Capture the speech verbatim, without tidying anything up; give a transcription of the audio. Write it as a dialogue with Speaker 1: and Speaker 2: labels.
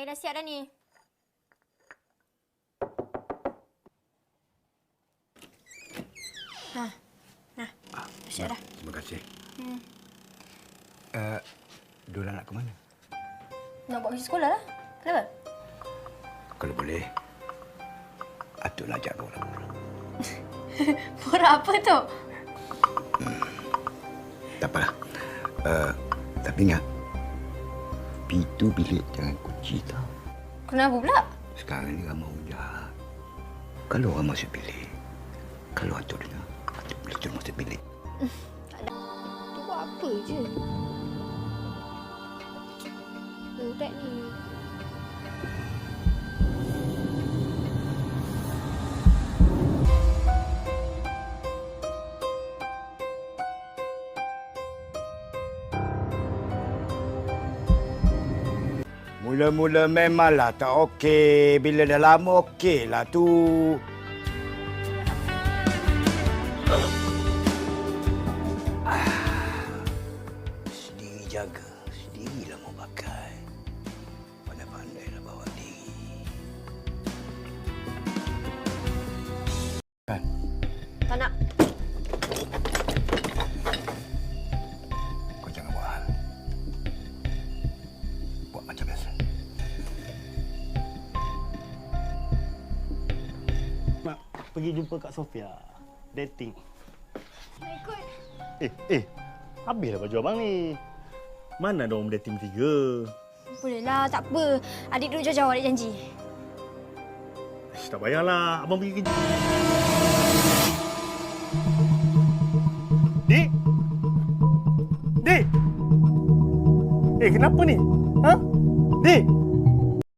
Speaker 1: Air dah siap dah ni. Nah, nah,
Speaker 2: Ah,
Speaker 1: siap dah.
Speaker 2: Terima kasih.
Speaker 1: Hmm.
Speaker 2: Uh, Dora nak ke mana?
Speaker 1: Nak buat kerja sekolah lah. Kenapa?
Speaker 2: Kalau boleh, Atuk nak ajak Dora pulang.
Speaker 1: Borak apa tu?
Speaker 2: Hmm. Tak apalah. Uh, tapi ingat, pintu bilik jangan kunci tau.
Speaker 1: Kenapa pula?
Speaker 2: Sekarang ni ramai orang jahat. Kalau orang masuk bilik, kalau Atuk dengar, Atuk boleh terus masuk bilik.
Speaker 1: Tak ada. Tu buat apa je? Budak ni.
Speaker 2: Mula-mula memanglah tak okey. Bila dah lama okeylah tu. Sendiri jaga, sendirilah mau pakai. Pandai-pandailah bawa diri. Kan?
Speaker 1: Tak nak.
Speaker 2: Kau jangan buat hal. Buat macam biasa.
Speaker 3: Nak pergi jumpa Kak Sofia. Dating.
Speaker 1: Nak ikut.
Speaker 3: Eh, eh. Habislah baju abang ni. Mana ada orang dating tiga?
Speaker 1: Bolehlah, tak apa. Adik duduk jauh-jauh, adik janji.
Speaker 3: Ish, tak payahlah. Abang pergi kerja. Dik? Dik? Eh, kenapa ni? Ha? Dik?